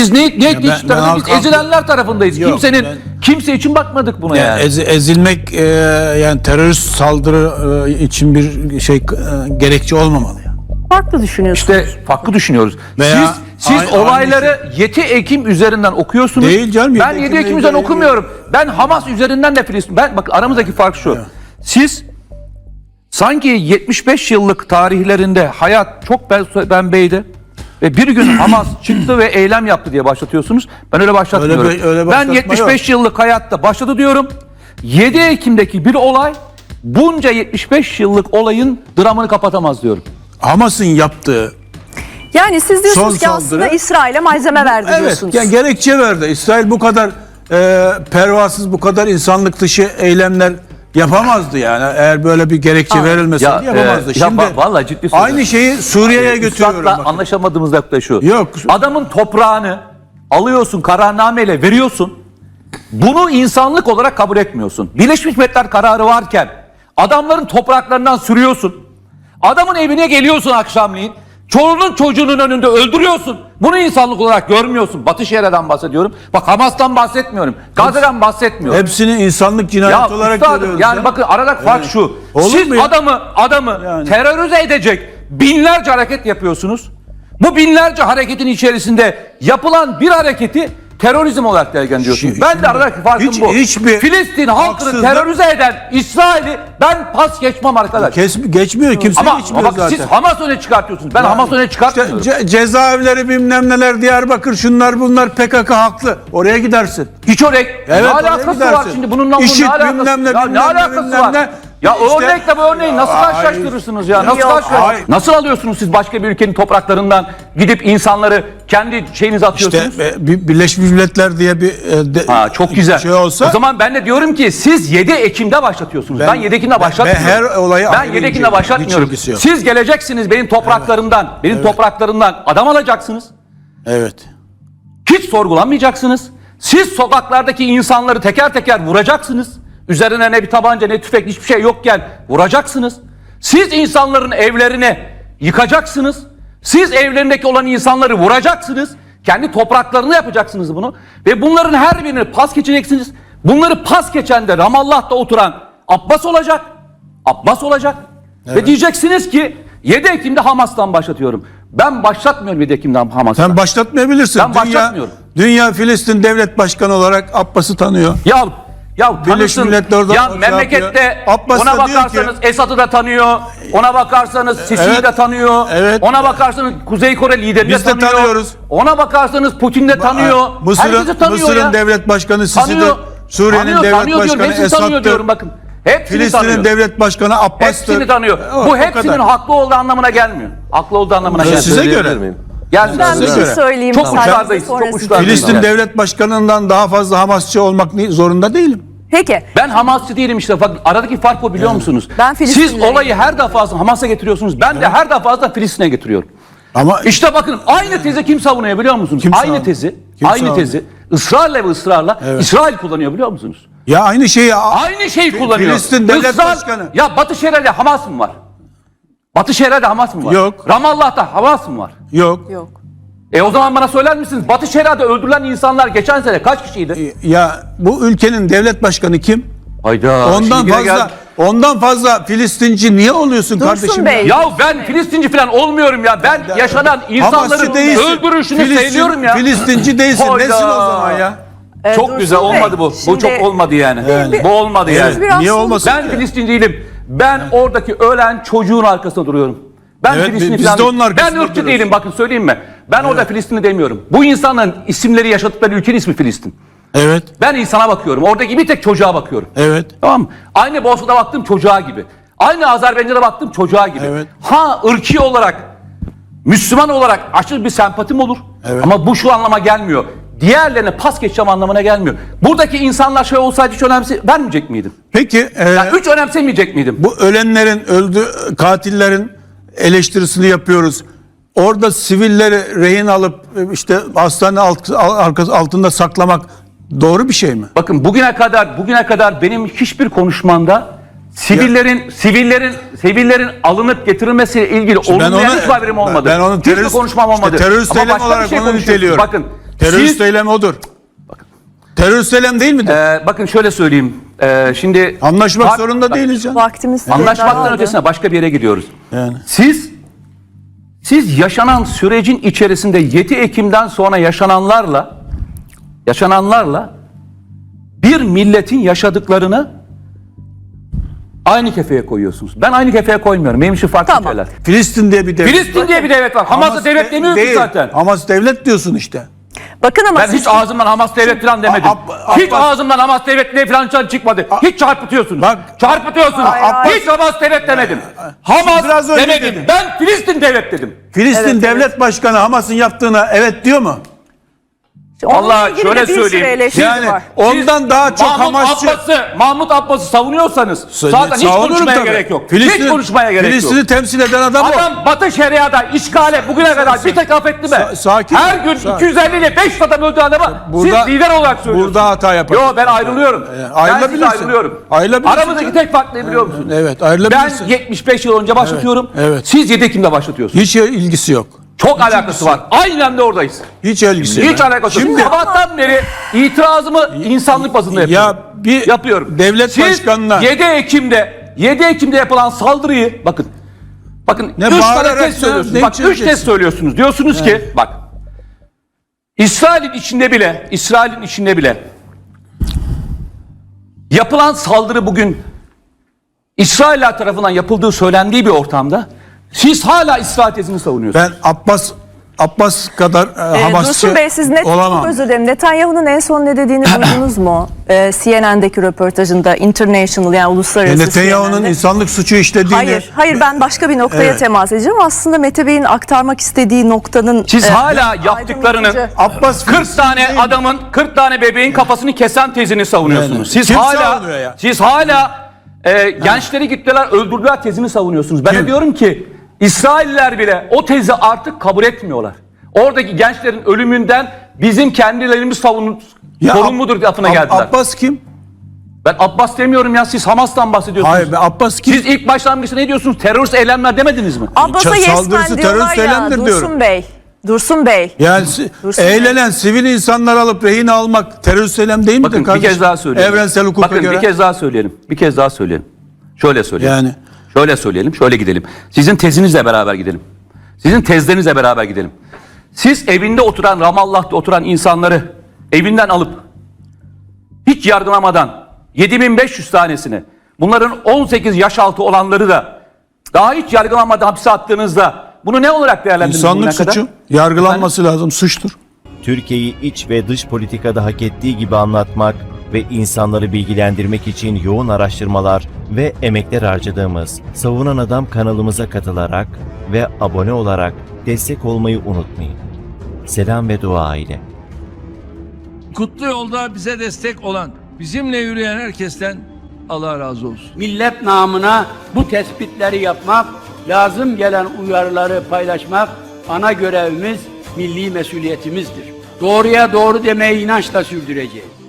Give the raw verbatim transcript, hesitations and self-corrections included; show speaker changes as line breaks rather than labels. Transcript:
Biz ne ne
ben-
biz
ben
tarafındayız?
halk-
Ezilenler tarafındayız.
Yok,
Kimsenin
ben-
kimse için bakmadık buna yani.
Yani ez- ezilmek e, yani terörist saldırı e, için bir şey e, gerekçe olmamalı yani.
Farklı düşünüyorsunuz.
İşte farklı düşünüyoruz.
Veya
siz siz
aynı-
olayları yedi Ekim üzerinden okuyorsunuz.
Değil canım,
Ben
yedi
yedi
Ekim'le
Ekim üzerinden
ilgili-
okumuyorum. Ben Hamas üzerinden de Filistin. Ben bak aramızdaki fark şu. Siz sanki yetmiş beş yıllık tarihlerinde hayat çok ben bembeydi. Ve bir gün Hamas çıktı ve eylem yaptı diye başlatıyorsunuz. Ben öyle başlatmıyorum.
Öyle bir- öyle
ben
başlatma
yetmiş beş
yok.
yıllık hayatta başladı diyorum. yedi Ekim'deki bir olay bunca yetmiş beş yıllık olayın dramını kapatamaz diyorum.
Hamas'ın yaptığı
Yani siz diyorsunuz
Son
ki aslında
saldırı-
İsrail'e malzeme verdi
evet
diyorsunuz.
yani gerekçe verdi. İsrail bu kadar e, pervasız, bu kadar insanlık dışı eylemler yapamazdı yani. Eğer böyle bir gerekçe verilmeseydi
Ya,
yapamazdı.
e, ya
Şimdi
va- vallahi ciddi söylüyorum.
aynı şeyi Suriye'ye
Hayır,
götürüyorum.
Üstad'la
bakın.
anlaşamadığımız nokta şu.
Yok.
Adamın toprağını alıyorsun, kararnameyle veriyorsun. Bunu insanlık olarak kabul etmiyorsun. Birleşmiş Milletler kararı varken adamların topraklarından sürüyorsun. Adamın evine geliyorsun akşamleyin. Çoluğunun çocuğunun önünde öldürüyorsun. Bunu insanlık olarak görmüyorsun. Batı Şeria'dan bahsediyorum. Bak Hamas'tan bahsetmiyorum. Gazze'den bahsetmiyorum.
Hepsini insanlık cinayeti
Ya
olarak
üstadım,
görüyoruz.
yani
ya.
bakın aradaki fark
Evet.
şu.
Olur
Siz
mu ya?
adamı adamı
Yani.
terörize edecek binlerce hareket yapıyorsunuz. Bu binlerce hareketin içerisinde yapılan bir hareketi terörizm olarak değerlendiriyorsunuz.
Şi-
Ben de
şimdi
aradaki farkım
hiç-
bu.
hiçbir
Filistin halkını
haksızlık-
terörize eden İsrail'i ben pas geçmem arkadaş.
Kes, geçmiyor. Kimse
ama
geçmiyor
ama bak
zaten.
siz Hamas öne çıkartıyorsunuz. Ben Hamas öne çıkartmıyorum.
İşte ce- cezaevleri bilmem neler, Diyarbakır, şunlar bunlar, P K K haklı. Oraya gidersin.
Hiç örnek.
Evet,
ne
oraya
alakası
gidersin.
var şimdi bununla bunun
İşit,
ne alakası?
bilmem ne,
ya,
bilmem
ne
ne,
alakası
bilmem
var?
ne.
Ya o
İşte-
örnekle bu örneği nasıl
Ay.
karşılaştırırsınız ya? Nasıl
Yok,
karşılaştırırsınız?
ay.
Nasıl alıyorsunuz siz başka bir ülkenin topraklarından gidip insanları kendi şeyinize
İşte
atıyorsunuz?
e, bir Birleşmiş Milletler diye bir e, de-
Ha, çok güzel.
şey olsa
O zaman ben de diyorum ki siz yedi Ekim'de başlatıyorsunuz. Ben,
Ben-
yedi Ekim'de
ben-
başlatmıyorum.
ben her olayı
Ben
ayrı
yedi Ekim'de
inceliyorum.
başlatmıyorum.
Hiç ilgisi yok.
Siz geleceksiniz benim topraklarımdan, benim topraklarımdan adam alacaksınız.
evet.
Hiç sorgulanmayacaksınız. Siz sokaklardaki insanları teker teker vuracaksınız. Üzerine ne bir tabanca ne tüfek hiçbir şey yokken vuracaksınız. Siz insanların evlerini yıkacaksınız. Siz evlerindeki olan insanları vuracaksınız. Kendi topraklarını yapacaksınız bunu. Ve bunların her birini pas geçeceksiniz. Bunları pas geçen de Ramallah'ta oturan Abbas olacak. Abbas olacak. Ve diyeceksiniz ki yedi Ekim'de Hamas'tan başlatıyorum. Ben başlatmıyorum yedi Ekim'de Hamas'tan.
Sen başlatmayabilirsin.
Ben
dünya,
başlatmıyorum.
Dünya Filistin Devlet Başkanı olarak Abbas'ı tanıyor.
Ya ya
Birleşmiş
tanısın.
Milletler orada
Ya
şey
memlekette
yapıyor. Abbas
ona
da diyor
bakarsanız
ki-
Esad'ı da tanıyor. Ona bakarsanız Sisi'yi
Evet.
de tanıyor.
Evet.
Ona bakarsanız Kuzey Kore liderini
Biz
de
de
tanıyor.
tanıyoruz.
Ona bakarsanız Putin de tanıyor.
Mısır'ın
Herkesi tanıyor
Mısır'ın
ya.
devlet başkanı Sisi de
Tanıyor.
Suriye'nin
Tanıyor,
devlet
tanıyor diyorum.
başkanı
Hepsini tanıyor diyorum
Esad'tır.
bakın. Hepsini
Filistin'in
tanıyor.
devlet başkanı Abbas'tır.
Hepsini tanıyor.
O-
Bu
o
hepsinin
kadar.
haklı olduğu anlamına gelmiyor. Haklı olduğu anlamına
Size
gelmiyor.
göre.
Söyleyebilir miyim?
Gelmiyor.
Ben bir
Size
şey
göre.
söyleyeyim.
Çok
müsaadenizle,
uçlardayız, çok
sonra siz-
uçlardayız.
Filistin
Yani.
devlet başkanından daha fazla Hamasçı olmak ni- zorunda değilim.
Peki.
Ben Hamasçı değilim işte. Bak, aradaki fark o biliyor musunuz?
Ben
Siz
Filistinliyim.
olayı her defasında Hamas'a getiriyorsunuz. Ben de her defasında Filistin'e getiriyorum.
Ama
İşte bakın aynı tezi kim savunuyor biliyor musunuz?
Kim
aynı
savunuyor?
tezi,
Kim
aynı
savunuyor?
tezi ısrarla ve ısrarla
Evet.
İsrail kullanıyor biliyor musunuz?
ya aynı şeyi
Aynı şeyi kullanıyor.
Filistin devlet
Israr-
başkanı.
Ya Batı Şeria'da Hamas mı var? Batı Şeria'da Hamas mı var?
Yok.
Ramallah'ta Hamas mı var?
yok.
Yok.
E o zaman bana söyler misiniz? Batı Şeria'da öldürülen insanlar geçen sene kaç kişiydi?
Ya bu ülkenin devlet başkanı kim?
Hayda.
Ondan
şimdi yine
fazla
gel-
ondan fazla Filistinci niye oluyorsun
Dursun
kardeşim?
Bey.
Ya ben Filistinci falan olmuyorum ya. Ben yaşanan insanların
Hamasçı değilsin.
öldürüşünü
Filistin-
seviyorum ya.
Filistinci değilsin.
Hayda.
Nesin o zaman ya?
Ee,
Çok
Dursun
güzel
Bey,
olmadı bu. Bu
şimdi-
çok olmadı yani.
Yani.
Bu olmadı
Evet.
yani.
Biraz
Niye
sonuç-
olmasın?
Ben Filistin değilim. Ben oradaki ölen çocuğun arkasında duruyorum. Ben
Evet,
Filistinli
biz
falan
de onun
değilim.
arkasında
Ben ırkçı
duruyoruz.
değilim bakın söyleyeyim mi? Ben orada Filistinli demiyorum. Bu insanların isimleri yaşadıkları ülkenin ismi Filistin.
Evet.
Ben insana bakıyorum. Oradaki bir tek çocuğa bakıyorum.
Evet.
Tamam mı? Aynı Bosna'da baktım çocuğa gibi. Aynı Azerbaycan'da baktım çocuğa gibi.
Evet.
Ha ırki olarak, Müslüman olarak aşırı bir sempatim olur.
Evet.
Ama bu şu anlama gelmiyor. Diğerlerine pas geçeceğim anlamına gelmiyor. Buradaki insanlar şey olsaydı hiç önemse vermeyecek miydim?
Peki e,
Yani hiç önemsemeyecek miydim?
bu ölenlerin, öldü katillerin eleştirisini yapıyoruz. Orada sivilleri rehin alıp e, işte hastane alt, alt- altında saklamak doğru bir şey mi?
Bakın bugüne kadar bugüne kadar benim hiçbir konuşmamda sivillerin sivillerin sivillerin alınıp getirilmesiyle ilgili olumlayan hiçbir haberim olmadı.
ben onu
Hiçbir
terörist-
konuşmam
işte
olmadı.
terörist
Ama
eylem
başka bir
olarak
şey
onu
konuşuyorsunuz.
niteliyorum.
Bakın
Terörist
Siz-
eylem odur. Terörist eylem değil midir?
Ee, bakın şöyle söyleyeyim. Ee, şimdi
Anlaşmak
Bak-
zorunda
bak-
değiliz canım.
Vaktimiz
Anlaşmaktan
daraldı.
ötesine başka bir yere gidiyoruz.
Yani.
Siz siz yaşanan sürecin içerisinde yedi Ekim'den sonra yaşananlarla yaşananlarla bir milletin yaşadıklarını aynı kefeye koyuyorsunuz. Ben aynı kefeye koymuyorum. Benim için farklı
Tamam.
şeyler.
Filistin diye bir devlet.
Filistin diye bir devlet var. Hamas'ı
Hamas
devlet
de-
demiyorsun
değil.
zaten.
Hamas devlet diyorsun işte.
Bakın ama
Ben
siz-
hiç ağzımdan Hamas devlet falan demedim.
Ab-
hiç
Abbas-
ağzımdan Hamas devlet falan can çıkmadı. Hiç çarpıtıyorsunuz.
Bak-
çarpıtıyorsunuz.
Hayır, hayır.
Hiç Hamas devlet demedim. Hamas
Biraz önce
demedim.
dedin.
Ben Filistin devlet dedim.
Filistin
Evet,
devlet başkanı Hamas'ın yaptığına evet diyor mu?
onunla
Vallahi
ilgili
şöyle
de bir sürü
söyleyeyim.
eleştiri
Yani
var.
ondan daha çok
Mahmut
Hamasçı.
Abbas'ı, Mahmut Abbas'ı savunuyorsanız zaten hiç
Savunurum
konuşmaya
tabii.
gerek yok.
Filistin'i-
hiç konuşmaya gerek
Filistin'i
yok.
temsil eden adam, o.
Adam Batı Şeria'da işgale bugüne kadar bir tek affetti mi?
Sa- sakin
Her
ol,
gün
sakin.
iki yüz elli ile beş adam öldü adama
Burada-
siz lider olarak söylüyorsunuz.
burada hata yaparsın.
Yo ben ayrılıyorum.
E,
ben
ayrılabilirsin.
size ayrılıyorum.
Ayrılabilirsin
Aramızdaki
canım.
tek fark ne biliyor musunuz?
Evet
Ben
ayrılabilirsin.
yetmiş beş yıl önce başlatıyorum.
evet.
Siz yedi Ekim'de başlatıyorsunuz.
Hiç ilgisi yok.
Çok alakası var. Aynen de oradayız.
Hiç ilgisi yok.
Hiç alakası yok.
Şimdi
Sabahtan beri itirazımı insanlık bazında yapıyorum.
ya bir
yapıyorum.
devlet
Siz
başkanına
yedi Ekim'de yedi Ekim'de yapılan saldırıyı bakın. Bakın
Ne
üç tane
bağırarak
test
ya,
söylüyorsunuz.
ne
Bak üç
içeceksin?
test söylüyorsunuz. Diyorsunuz ki bak İsrail'in içinde bile İsrail'in içinde bile yapılan saldırı bugün İsrailler tarafından yapıldığı söylendiği bir ortamda siz hala İsrail tezini savunuyorsunuz.
ben Abbas Abbas kadar e,
Ee,
Hamasçı
Dursun Bey siz net
olamam.
çok özür dilerim. Netanyahu'nun en son ne dediğini duydunuz mu? Ee, C N N'deki röportajında International yani uluslararası
E, Netanyahu'nun
C N N'de.
insanlık suçu işlediğini
Hayır, hayır ben başka bir noktaya
Evet.
temas edeceğim. Aslında Mete Bey'in aktarmak istediği noktanın
Siz
e,
hala yaptıklarının
aydınlatıcı-
Abbas
kırk tane adamın kırk tane bebeğin kafasını kesen tezini savunuyorsunuz.
Yani.
Siz
Kim
hala
savunuyor ya?
siz hala e, gençleri gittiler öldürdüler tezini savunuyorsunuz. Ben de
Kim?
diyorum ki İsrailler bile o tezi artık kabul etmiyorlar. Oradaki gençlerin ölümünden bizim kendilerimiz savun
Ya
sorumludur lafına
Ab-
geldiler.
Abbas kim?
Ben Abbas demiyorum ya siz Hamas'tan bahsediyorsunuz.
Hayır be, Abbas kim?
Siz ilk başlangıçta ne diyorsunuz? Terörist eylemler demediniz mi?
Abbas'a
Ça-
yes
saldırısı
man diyorlar
terörist
ya
eylemdir
Dursun
diyorum.
Bey. Dursun Bey.
Yani si-
Dursun Bey.
eğlenen sivil insanlar alıp rehin almak terörist eylem değil midir
Bakın bir
kardeşim?
kez daha söyleyelim.
Evrensel hukuka
Bakın
göre.
bir kez daha söyleyelim. Bir kez daha söyleyelim. Şöyle söyleyelim.
Yani.
Şöyle söyleyelim, şöyle gidelim. Sizin tezinizle beraber gidelim. Sizin tezlerinizle beraber gidelim. Siz evinde oturan, Ramallah'ta oturan insanları evinden alıp hiç yargılamadan yedi bin beş yüz tanesini, bunların on sekiz yaş altı olanları da daha hiç yargılamadan hapse attığınızda bunu ne olarak değerlendirdiniz
İnsanlık
bugüne kadar?
suçu yargılanması lazım, suçtur.
Türkiye'yi iç ve dış politikada hak ettiği gibi anlatmak ve insanları bilgilendirmek için yoğun araştırmalar ve emekler harcadığımız Savunan Adam kanalımıza katılarak ve abone olarak destek olmayı unutmayın. Selam ve dua ile.
Kutlu yolda bize destek olan, bizimle yürüyen herkesten Allah razı olsun.
Millet namına bu tespitleri yapmak, lazım gelen uyarıları paylaşmak ana görevimiz, milli mesuliyetimizdir. Doğruya doğru demeyi inançla sürdüreceğiz.